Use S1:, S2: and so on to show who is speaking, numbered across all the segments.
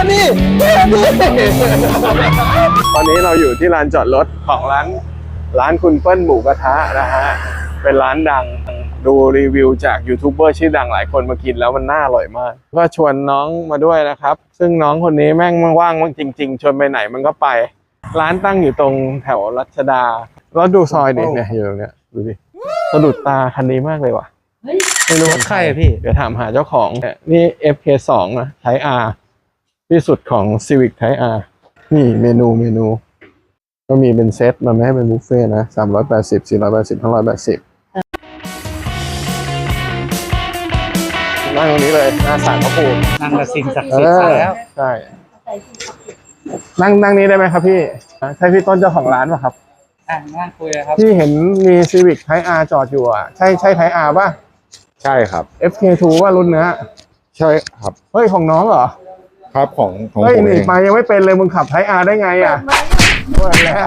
S1: นี่ตอนนี้เราอยู่ที่ลานจอดรถของร้านคุณเปิ้ลหมูกระทะนะฮะเป็นร้านดังดูรีวิวจากยูทูบเบอร์ชื่อดังหลายคนมากินแล้วมันน่าอร่อยมากก็ชวนน้องมาด้วยนะครับซึ่งน้องคนนี้แม่งว่างจริงๆชวนไปไหนมันก็ไปร้านตั้งอยู่ตรงแถวรัชดาแล้วดูซอยดิเนี่ยอยู่ตรงเนี้ยดูดิสะดุดตาคันนี้มากเลยว่ะไม่รู้ว่าใครพี่เดี๋ยวถามหาเจ้าของนี่ FK2 นะ Type R ที่สุดของ Civic Type R นี่เมนูก็มีเป็นเซตมันไม่ให้เป็นบุฟเฟ่นะ380 480 580นั่งตรงนี้เลยหน้าศาลพระภูมิ
S2: นั่งกับสิ่งศักดิ์สิทธิ์แล้ว
S1: ใช่นั่งนี้ได้ไหมครับพี่ใช่พี่ต้นเจ้าของร้านป่ะครับ
S2: นั่งคุยเลยครับ
S1: พี่เห็นมี Civic Type R จอดอยู่อ่ะใช่ Type R ป่ะ
S3: ใช่ครับ
S1: FK2 ว่ารุ่นเนื้อ
S3: ใช่ครับ
S1: เฮ้ยของน้องเหรอ
S3: ครับของ
S1: เฮ้ย
S3: ผม
S1: นี่มายังไม่เป็นเลยมึงขับType Rได้ไงอ่ะเปิดแล้ว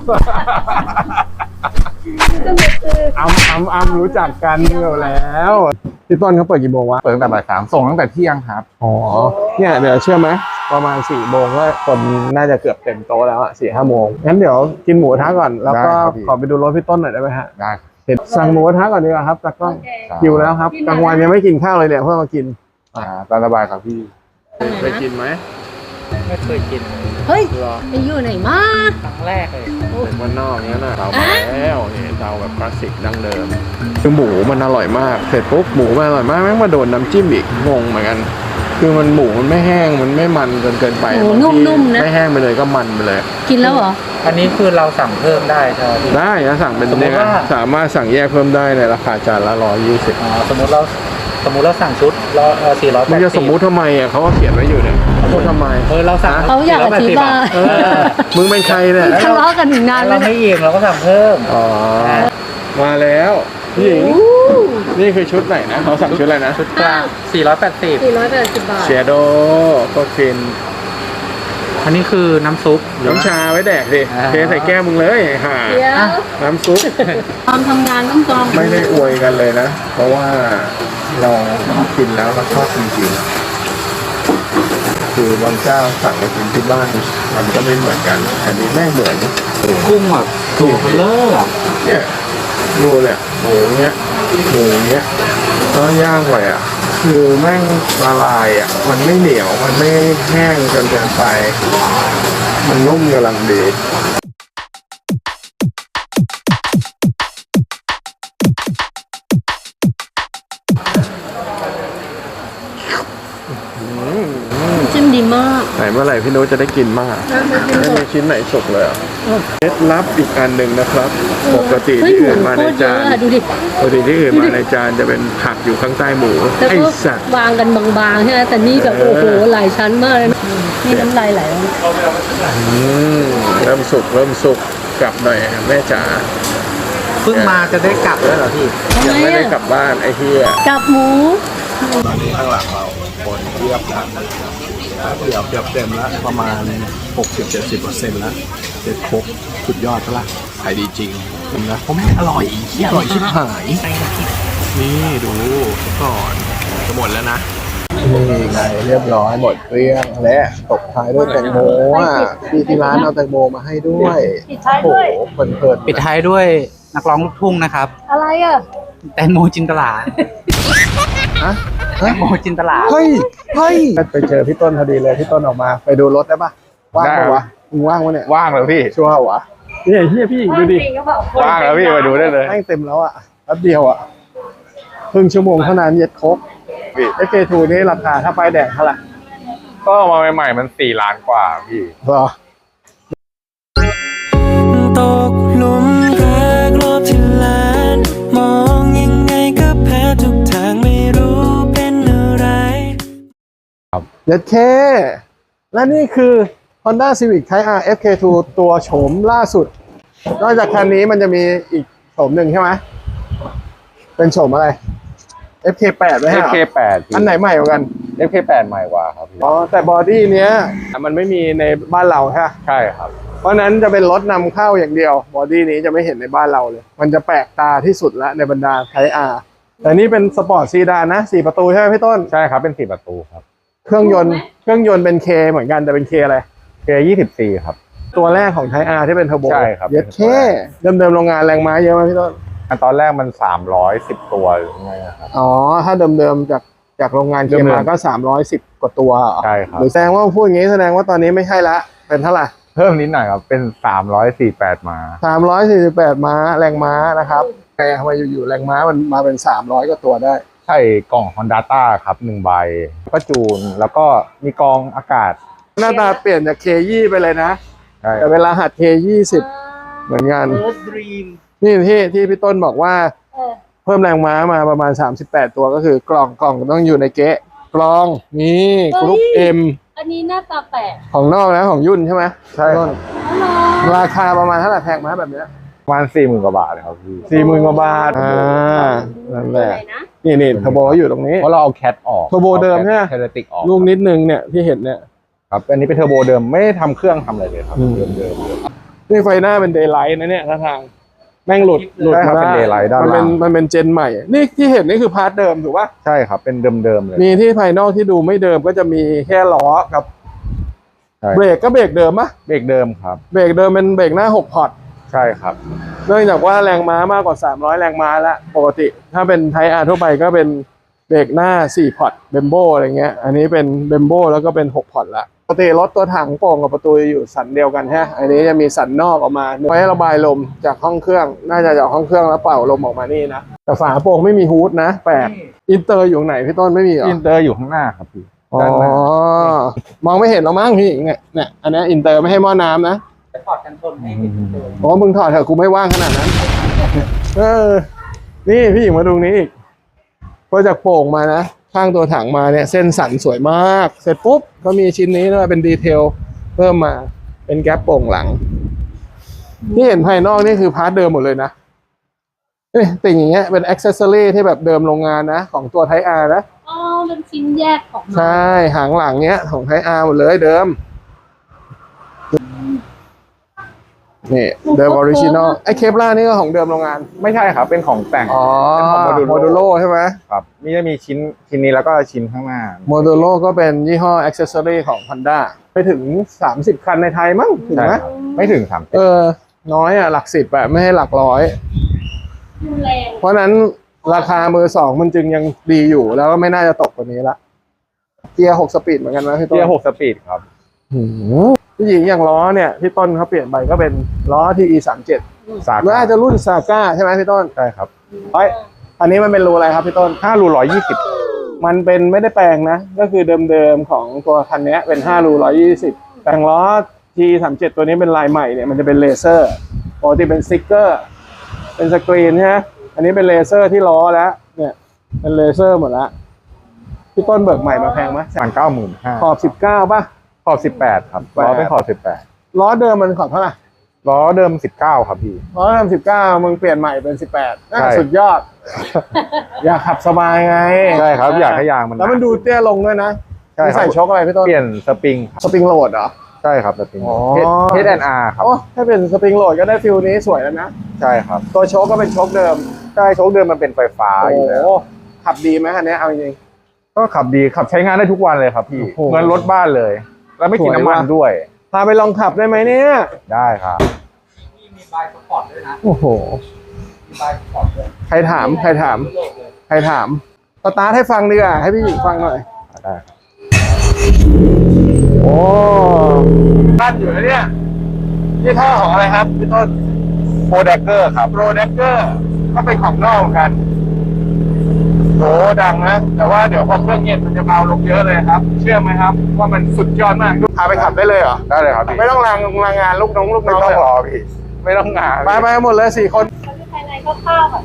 S1: อ้ำรู้จักกันอยู่แล้วพี่ต้นเขาเปิดกี่โมงวะ
S3: เปิดตั้งแต่บ่าย 3ส่งตั้งแต่เที่ยงครับ
S1: อ๋อเนี่ยเดี๋ยวเชื่อไหมประมาณ4 โมงก็คนน่าจะเกือบเต็มโต๊ะแล้วอ่ะ4-5 โมงงั้นเดี๋ยวกินหมูกระทะก่อนแล้วก็ขอไปดูรถพี่ต้นหน่อยได้ไหมฮะ
S3: ได้
S1: สั่งหมูกระทะก่อนดีกว่าครับตากล้องหิวแล้วครับกลางวันยังไม่กินข้าวเลยเนี่ยเพื่อมากิน
S3: ตามสบายครับพี่
S1: เคยกินไหม
S2: ไม่เคยกิน
S4: เฮ้ยไปอยู่ไหนมา
S2: ครั้งแรกเลย
S1: เป็นวันนอกเนี้ยนะเรามาแล้วนี่เราแบบคลาสสิกดั้งเดิมคือหมูมันอร่อยมากเสร็จปุ๊บหมูมันอร่อยมากแม่งมาโดนน้ำจิ้มอีกงงเหมือนกันคือมันหมูมันไม่แห้งมันไม่มันจนเกินไป
S4: นุ่มๆนะ
S1: ไม่แห้งไปเลยก็มันไปเลย
S4: กินแล้วเหรอ
S2: อันนี้คือเราสั่งเพิ่มได้ใช่ไหม
S1: ได้นะสั่งเป็นเนี่ยสามารถสั่งแยกเพิ่มได้ในราคาจานละ120
S2: สมมติเราสั่งชุด480
S1: มันจะสมมุติทำไมอ่ะเขาก็เขียนไว้อยู่เนี่ยพูดทำไม
S2: เราสั่ง
S4: เขาอยากอธิบาย
S1: มึงเป็นใครเนี่ย
S4: ทะเลาะกันถึงนาน
S2: เราไม่เองเราก็สั่งเพิ่ม
S1: อ๋อมาแล้วพี่หญิงนี่คือชุดไหนนะเขาสั่งชุดอะไรนะ
S2: ชุดกลาง
S4: 480 บาท
S1: เชโดโคตรฟิน
S2: อันนี้คือน้ำซุป
S1: น้ำชาไว้แดกดิเทใส่แก้วมึงเลยหาน้ำซุป
S4: ความทำงานต้องจอง
S1: ไม่ได้อวยกันเลยนะเพราะว่าเรากินแล้วเราชอบจริงๆคือบางเจ้าสั่งไปกินที่บ้านมันก็ไม่เหมือนกันอันนี้แม่งเหมือน
S2: กุ้งแบบตัวเลอะ
S1: เนี่ยดูเนี่ยหมูเนี้ยก็ย่างไปอ่ะคือแม่งละลายอ่ะมันไม่เหนียวมันไม่แห้งจนเกินไปมันนุ่มกำลังดี
S4: จิ้มดีมาก
S1: ไหนเมื่อไหร่พี่โน้ตจะได้กินมากไม่มีชิ้นไหนสุกเลยเคล็ดลับอีกอันหนึ่งนะครับปกติที่อื่นมาในจานปกติที่อื่นมาในจานจะเป็นผักอยู่ข้างใต้หมู
S4: ไอ้สัตว์วางกันบางๆใช่ไหมแต่นี่แบบโอ้โหหลายชั้นมากเลยนี่น้ำลายไหล
S1: เริ่มสุกกลับหน่อยแม่จ๋า
S2: เพิ่งมาจะได้กลับแล้วเหรอพี่
S1: ยังไม่ได้กลับบ้านไอ้เหี้ย
S4: กลับหมู
S1: ตอนนี้ข้างหลังเราคนเทียบแล้วเดี๋ยวเต็มแล้วประมาณ 60-70% แล้วเด็ดครบสุดยอดแล้วขายดีจริงนะเพราะแม่อร่อยชิบหายนี่ดูก่อนจะหมดแล้วนะนี่ไงเรียบร้อยหมดเกลี้ยงและตบท้ายด้วยแตงโมพี่ที่ร้านเอาแตงโมมาให้ด้วย
S4: ปิดท้ายด้วย
S2: ปิดท้ายด้วยนักร้องลูกทุ่งนะครับ
S4: อะไรอ่ะ
S2: แตงโมจินตลาแตงโมจินตลา
S1: เฮ้ยไปเจอพี่ต้นพอดีเลยพี่ต้นออกมาไปดูรถได้ปะว่างปะวะมึงว่างวะเนี่ย
S3: ว่างเลยพี่
S1: ชัวร์วะนี่เฮียพี่ดูดิ
S3: ว่างแล้วพี่ไปดูได้เลย
S1: ให้เต็มแล้วอ่ะแป๊บเดียวอ่ะครึ่งชั่วโมงเท่านั้นเย็ดครบFK2 นี่ราคาถ้าไฟแดงเท่าไหร่
S3: ก็มาใหม่ๆมัน4 ล้านกว่าพี่
S1: หรอ
S5: ตกหลุมรักรอบที่ล้านมองยังไงก็แพ้ทุกทางไม่รู้เป็นอะไร
S1: เย็ดเคและนี่คือ Honda Civic Type R FK2 ตัวโฉมล่าสุดนอกจากคันนี้มันจะมีอีกโฉมหนึ่งใช่ไหมเป็นโฉมอะไรFK8 ไหมฮะ
S3: FK8
S1: อันไหนใหม่กว่ากัน
S3: FK8 ใหม่กว่าครับ
S1: อ๋อแต่บอดี้เนี้ยมันไม่มีในบ้านเรา
S3: ใช่ครับ
S1: เพราะนั้นจะเป็นรถนำเข้าอย่างเดียวบอดี้นี้จะไม่เห็นในบ้านเราเลยมันจะแปลกตาที่สุดละในบรรดาไทยอาร์แต่นี่เป็นสปอร์ตซีดานนะ4 ประตูใช่ไหมพี่ต้น
S3: ใช่ครับเป็น4 ประตูครับ
S1: เครื่องยนต์เป็นเคเหมือนกันแต่เป็นเคอะไร
S3: K24 ครับ
S1: ตัวแรกของไทยอาร์ที่เป็นเทอร์โบ
S3: ใช่ครับ
S1: เย็ดเคเดิมๆโรงงานแรงม้าเยอะไหมพี่ต้น
S3: อันตอนแรกมัน310ตัวหรือไงครับ
S1: อ๋อถ้าเดิมๆจากโรงงานเค
S3: เดิมๆ
S1: มาก็310กว่าตัวเหรอ
S3: ใช่ครับ
S1: หรือแสดงว่าพูดอย่างนี้แสดงว่าตอนนี้ไม่ใช่ละเป็นเท่าไหร่
S3: เพิ่มนิดหน่อยครับเป็น348ม้า
S1: 348 ม้าแรงม้านะครับแต่ทำไมอยู่ๆแรงม้ามันมาเป็น300กว่าตัวได้
S3: ใช่กล่อง Honda ต้าครับ1ใบก็จูนแล้วก็มีกรองอากาศ
S1: หน้าตาเปลี่ยนจาก K20 ไปเลยนะ
S3: ใช่
S1: แต่เวลาหัด K20 เหมือนกัน
S2: Earth Dream
S1: นี่ที่พี่ต้นบอกว่า
S4: เออ
S1: เพิ่มแรงม้ามาประมาณ38ตัวก็คือกล่องต้องอยู่ในเก๊ะกล่องนี่กรุ๊ป M
S4: อันนี้หน้าตาแปลก
S1: ของนอกนะของยุ่นใช่ไหม
S3: ใช่ครับ
S4: อ๋อ
S1: ราคาประมาณเท่าไหร่แพงไหมแบบเนี้ย
S3: ประมาณ40,000 กว่าบาทเลยครับพี่
S1: 40,000 กว่าบาทนั่นแหละ
S4: อะไรนะ
S1: นี่เทอร์โบอยู่ตรงนี้
S3: เพราะเราเอาแคทออก
S1: เทอร์โบเดิมใช่ไหม
S3: เทเลติกออก
S1: ลูกนิดนึงเนี่ยที่เห็นเนี่ย
S3: ครับอันนี้เป็นเทอร์โบเดิมไม่ได้ทำเครื่องทำอะไรเลยครับ
S1: อืม
S3: เดิม
S1: นี่ไฟหน้าเป็นเดย์ไลท์นะเนี่ยท่าทางแม่งหลุด
S3: ใช่ครับ
S1: มา
S3: เป็น daylight ด้าน
S1: มันเป็น
S3: ล่าง
S1: มันเป็นเจนใหม่ นี่ที่เห็นนี่คือพาร์ทเดิมถูกปะ
S3: ใช่ครับเป็นเดิมๆเลย
S1: มีที่ภายนอกที่ดูไม่เดิมก็จะมีแค่ล้อกับ
S3: ใช่
S1: เบรกก็เบรกเดิมปะ
S3: เบรกเดิมครับ
S1: เบรกเดิมเป็นเบรกหน้า6พอร์ต
S3: ใช่ครับ
S1: เนื่องจากว่าแรงม้ามากกว่า300แรงม้าแล้วปกติถ้าเป็นไทอาร์ทั่วไปก็เป็นเบรกหน้า4พอร์ตเบมโบอะไรเงี้ยอันนี้เป็นเบมโบแล้วก็เป็น6พอร์ตละปกติรถตัวถังโป่งกับประตูอยู่สันเดียวกันฮะอันนี้จะมีสันนอกออกมาไว้ให้ระบายลมจากห้องเครื่องน่าจะจากห้องเครื่องแล้วเป่าลมออกมานี่นะแต่ฝาโป่งไม่มีฮูดนะแปลกอินเตอร์อยู่ไหนพี่ต้นไม่มีเหรอ
S3: อินเตอร์อยู่ข้างหน้าครับพี่
S1: อ๋อ
S3: ด้านหน้าม
S1: องไม่เห็นหรอกมั้งพี่หญิงเนี่ยอันนี้อินเตอร์ไม่ให้หม้อน้ำนะ
S2: จะถอดกันชนให้เห็นเลย
S1: โอ้มึงถอดเถอะกูไม่ว่างขนาดนั้น นี่พี่หญิงมาดูนี้อีกพอจากโป่งมานะข้างตัวถังมาเนี่ยเส้นสันสวยมาก เสร็จปุ๊บก็มีชิ้นนี้ด้วยเป็นดีเทลเพิ่มมาเป็นแก๊ปโป่งหลังที่เห็นภายนอกนี่คือพาร์ทเดิมหมดเลยนะติ่งอย่างเงี้ยเป็นอ็อกเซสซอรี่ที่แบบเดิมโรงงานนะของตัวไทอาร์นะ
S4: อ๋อเป็นชิ้นแยกของมัน
S1: ใช่หางหลังเนี้ยของไทอาร์หมดเลยเดิมนี่เดิมออริจินอลไอ้เคปล่านี่ก็ของเดิมโรงงาน
S3: ไม่ใช่ครับเป็นของแต่ง
S1: อ๋อ
S3: เป็นของ
S1: โม
S3: Modulo
S1: ดูโลใช่ไหม
S3: ครับนี่จะมีชิ้นนี้แล้วก็ชิ้นข้างหน้า
S1: โมดูโลก็เป็นยี่ห้ออ็อกเซสซอรี่ของ Honda ไปถึง30 คันในไทยมั้งถึง
S3: ใช่
S1: ไหม
S3: ครับไม่ถึง30
S1: น้อยอ่ะหลัก10อ่ะไม่ให้หลักร้อย
S4: รุนแรง
S1: เพราะฉะนั้นราคามือสองมันจึงยังดีอยู่แล้วก็ไม่น่าจะตกกว่านี้ละเกียร์6 สปีดเหมือนกันไหมพี่ต้น
S3: เกียร์6 สปีดครับ
S1: ผู้หญิงอย่างล้อเนี่ยพี่ต้นเขาเปลี่ยนไปก็เป็นล้อ TE 37
S3: สาก
S1: น่าจะรุ่นซาก้าใช่ไหมพี่ต้น
S3: ใช่ครับ
S1: เฮ้ยอันนี้มันเป็นรูอะไรครับพี่ต้น
S3: 5 รู120
S1: มันเป็นไม่ได้แปลงนะ ก็คือเดิมๆของตัวคันนี้เป็น5รู120แต่งล้อ T37 ตัวนี้เป็นลายใหม่เนี่ยมันจะเป็นเลเซอร์ปกติเป็นสติ๊กเกอร์เป็นสกรีนใช่ไหมอันนี้เป็นเลเซอร์ที่ล้อแล้วเนี่ยเป็นเลเซอร์หมดแล้วพี่ต้นเบิกใหม่มาแพงไหม
S3: 95,000
S1: ขอบ19ป่ะ
S3: ขอบ18ครับล้อเป็นขอบ18
S1: ล้อเดิมมันขอบเท่าไหร่
S3: ล้อเดิม19ครับพี่
S1: ล้อเดิม19มึงเปลี่ยนใหม่เป็น18น่า
S3: ใช่
S1: สุดยอด อยากขับสบายไง
S3: ใช่ครับอยากให้ยางมัน
S1: แล้วมันดูเตี้ยลงด้วยนะ
S3: ใช่ครับ
S1: ใส่ช็อคอะไรพี่ต้น
S3: เปลี่ยนสปริงครับ
S1: สปริงโหลดเหรอ
S3: ใช่ครับสปริง
S1: อ๋อ
S3: H&R ครับ
S1: โอ้ถ้าเป็นสปริงโหลดก็ได้ฟิลนี้สวยแล้วนะ
S3: ใช่ครับ
S1: ตัวโชคก็เป็นโชคเดิม
S3: ใช่โชคเดิมมันเป็นไฟฟ้า
S1: โอ้
S3: อยู่แล้ว
S1: โหขับดีไหมคันนี้เอาจริง
S3: ก็ขับดีขับใช้งานได้ทุกวันเลยครับพี่
S1: โอ้โห
S3: เหมือนรถบ้านเลย แล้วไม่กิน
S1: สวย
S3: น้ำมัน
S1: ว่ะ
S3: ด้วย
S1: ๆพาไปลองขับได้ไหมเนี่ย
S3: ได้ครับ
S2: ที่มีบายสปอร์ตด้วยนะ
S1: โอ้โห
S2: มีบายสปอร์ตด้วย
S1: ใครถาม
S2: โลกเลย
S1: สตาร์ทให้ฟังดีกว่าให้พี่หญิงฟังหน่อย
S3: ได้ครับ
S1: โอ้ตั้นอยู่นะเนี่ยนี่ท่อของอะไรครับพี่ต้น
S3: โปรแดกเกอร์ครับ
S1: โปรเดกเกอร์ก็เป็นของนอกเหมือนกันโหดังนะ แต่ว่าเดี๋ยวพอเครื่องเย็นมันจะเบาลงเยอะเลยครับ เชื่อไหมครับ ว่ามันสุดยอดมากพาไปขับได้เลยเหรอ
S3: ได้เลยครับพี่
S1: ไม่ต้องรางงานลูกน้อง
S3: ไม่
S1: เล
S3: ต้อง
S1: ย
S3: รอพี่ ไม่ต้องงาน
S1: ไปหมดเลย4 คน
S4: มันเป็นภายในคร่าวๆแบบ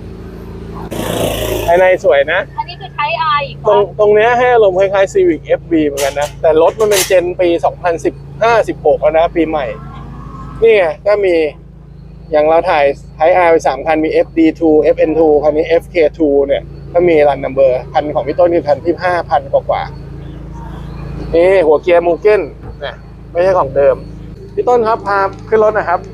S1: ภายในสวยนะ
S4: อันนี้คือใช้ R อีก
S1: ตรงเนี้ยให้อารมณ์คล้ายๆ Civic FB เหมือนกันนะ แต่รถมันเป็นเจนปี 2015-16 แล้วนะ ปีใหม่ นี่ไงก็มีอย่างเราถ่ายไทย R ไป3 คันมี FD2 FN2 คันนี้ FK2 เนี่ยก็มีรันนัมเบอร์คันของพี่ต้นคือคันที่ 5,000 กว่าๆนี่หัวเกียร์มูเก้นเนี่ยไม่ใช่ของเดิม พี่ต้นครับพาขึ้นรถหนะครับ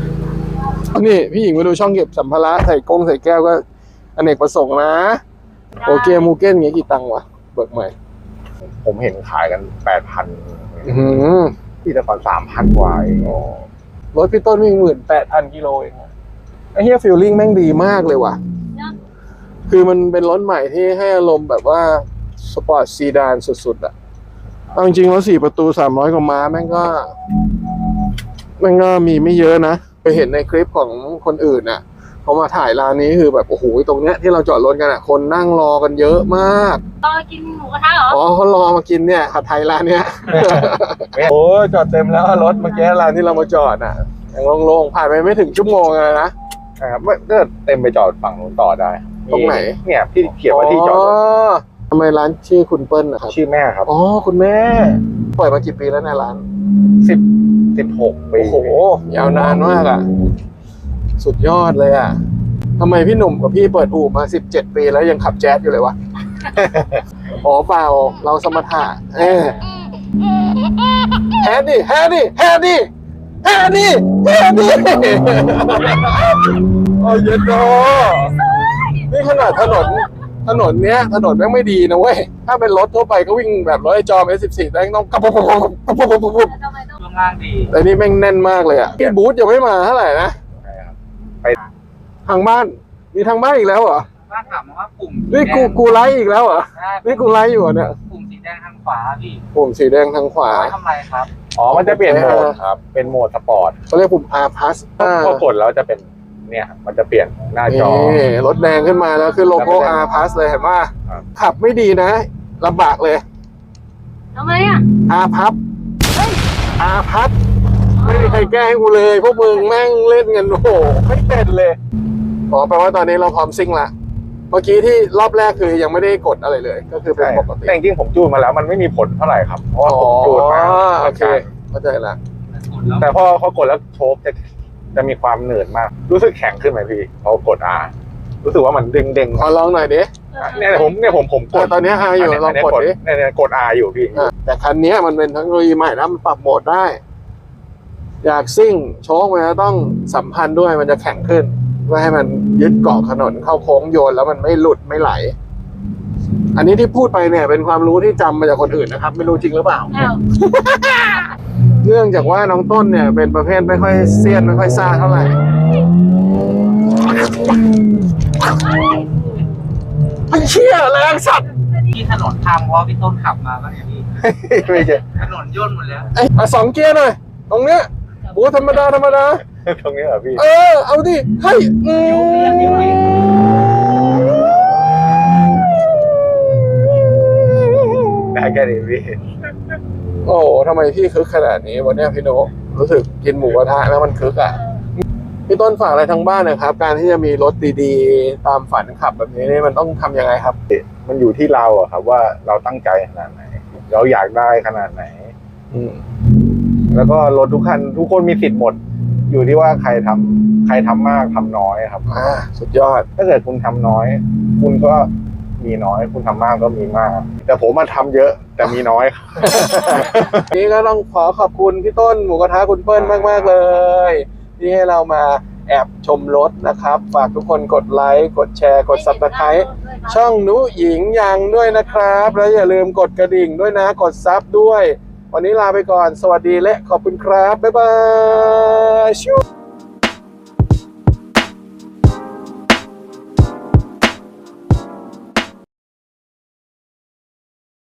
S1: นี่พี่หญิงมาดูช่องเก็บสัมภาระใส่กงใส่แก้วก็อเนกประสงค์นะโอเคมูเก้นเงี้ยกี่ตังค์วะเบิกใหม่
S3: ผมเห็นขายกัน 8,000
S1: อื้อหือ
S3: ที่แต่ก่อน3,000 กว่าเอง
S1: รถพี่ต้นวิ่ง18,000 กิโลเองอะไอ้เฮียฟีลลิ่งแม่งดีมากเลยว่ะ คือมันเป็นรถใหม่ที่ให้อารมณ์แบบว่าสปอร์ตซีดานสุดๆอะเอาจริงๆแล้ว4 ประตู300 กว่าม้าแม่งก็มีไม่เยอะนะ ไปเห็นในคลิปของคนอื่นน่ะเขามาถ่ายร้านนี้คือแบบโอ้โหตรงเนี้ยที่เราจอดรถกันอะคนนั่งรอกันเยอะมาก
S4: ตอนกินหมูกระทะเหรอ
S1: อ๋อเขารอมากินเนี่ยผัดไทยร้านเนี้ย โอ้จอดเต็มแล้วรถเมื่อกี้ร้านที่เรามาจอดน่ะยังโล่งๆผ่านไปไม่ถึงชั่วโมงเลยนะ
S3: นะครับก็เต็มไปจอดฝั่งนู้นต่อได้
S1: ตรงไหน
S3: เนี่ยที่เขียนว่าที่จอดรถ
S1: ทำไมร้านชื่อคุณเปิ้ลนะครับ
S3: ชื่อแม่ครับ
S1: อ๋อคุณแม่เปิดมากี่ปีแล้วในยร้าน
S3: 16 ปี
S1: โอ้โหยาวนานมากอ่ะ สุดยอดเลยอ่ะทำไมพี่หนุ่มกับพี่เปิดอู่มา17 ปีแล้วยังขับแจ๊สอยู่เลยวะ อ๋อเปล่าเราสมถะแฮดดิแฮดดิแฮดดิแฮดดิแฮดดิโอ้ยเดอนี่ขนาดถนนเนี้ยถนนแม่งไม่ดีนะเว้ยถ้าเป็นรถทั่วไปก็วิ่งแบบรถไอ้จอม S14 แม่งต้องกระปุก
S4: ทำไมต้อง
S2: ช่วงล่างดี
S1: แต่นี่แม่งแน่นมากเลยอ่ะพี่บูธยังไม่มาเท่าไหร่นะ
S3: ใช่ครับ
S1: ทางบ้านมีทางบ้านอีกแล้วเหรอ
S2: บ้านถามมาว่าปุ่ม
S1: นี่กูไลฟ์อีกแล้วเหรอนี่กูไลฟ์อยู่เหรอเนี่ย
S2: ปุ่มสีแดงทางขวาพี่
S1: ปุ่มสีแดงทางขวา
S2: ไว้ทำไรครับ
S3: อ๋อมันจะเปลี่ยนโหมดครับเป็นโหมดสปอร์ต
S1: เขาเรียกปุ่ม R plus
S3: พอกดแล้วจะเป็นเนี่ยมันจะเปลี่ยนหน้าจอ
S1: นี่รถแดงขึ้นมาแล้วคือโลโก้ R plus เลยเห็นป่ะ
S3: ครับ
S1: ขับไม่ดีนะลำบากเลย
S4: ทำไมอ่ะ
S1: R plus R plus ไม่มีใครแก้ให้กูเลยพวกมึงแม่งเล่นกันโอ้โหไม่เป็นเลยอ๋อแปลว่าตอนนี้เราพร้อมซิ่งละเมื่อกี้ที่รอบแรกคือยังไม่ได้กดอะไรเลย ก็คือเป็น
S3: ใช่
S1: ปกติ
S3: แต่จริงๆผมจูนมาแล้วมันไม่มีผลเท่าไหร่ครับเพราะว่าผมจูนมา
S1: โอเคเข้าใจละ
S3: แต่พอกดแล้วโชคจะมีความเหนื่อยมาก รู้สึกแข็งขึ้นไหมพี่พอกด R รู้สึกว่ามันเด้ง
S1: ขอลองหน่อยดิ
S3: เนี่ยผมกด
S1: ตอนนี้ R อยู่ลองกดดิ
S3: เนี่ยกด R อยู่พี่
S1: แต่คันนี้มันเป็นเทคโนโลยีใหม่นะมันปรับโหมดได้ อยากซิ่งโชคมันจะต้องสัมพันธ์ด้วยมันจะแข็งขึ้นเพื่อให้มันยึดเกาะถนนเข้าโค้งโยนแล้วมันไม่หลุดไม่ไหล อันนี้ที่พูดไปเนี่ยเป็นความรู้ที่จำมาจากคนอื่นนะครับ ไม่รู้จริงหรือเปล่า
S4: อ้าว
S1: เนื่องจากว่าน้องต้นเนี่ยเป็นประเภทไม่ค่อยเซียนไม่ค่อยซ่าเท่าไหร่ไอ้เชี่ยแรงสัตว์
S2: ที่ถนนทางวอลพี่ต้นขับมาบ้างไงพี่
S3: ไม่ใช่
S2: ถนนย่นหมดแล้ว
S1: ไอ้สองเกียร์หน่อยตรงเนี้ยบูธรรมดา
S3: ตรงนี้เหรอพี่
S1: เอาดิให้
S3: ได้แค่นี้พี่
S1: โอ้โหทำไมพี่คึกขนาดนี้วันนี้พี่โนรู้สึกกินหมูกระทะแล้วมันคึกอ่ะพี่ต้นฝากอะไรทางบ้านนะครับ การที่จะมีรถดีๆตามฝันขับแบบนี้นี่มันต้องทำยังไงครับ
S3: มันอยู่ที่เราอะครับว่าเราตั้งใจขนาดไหน เราอยากได้ขนาดไหน แล้วก็รถทุกคันทุกคนมีสิทธิ์หมด อยู่ที่ว่าใครทำมากทำน้อยครับ
S1: สุดยอด
S3: ถ้าเกิดคุณทำน้อย คุณก็มีน้อย คุณทำมากก็มีมาก แต่ผมมาทำเยอะแต่มีน้อยครับ
S1: นี่ก็ต้องขอขอบคุณพี่ต้นหมูกระทะคุณเปิ้ลมากๆเลย ที่ให้เรามาแอบชมรถนะครับ ฝากทุกคนกดไลค์กดแชร์กด Subscribe ช่องนุหญิงยังด้วยนะครับ แล้วอย่าลืมกดกระดิ่งด้วยนะกดซับด้วย วันนี้ลาไปก่อนสวัสดีและขอบคุณครับ บ๊ายบายชิว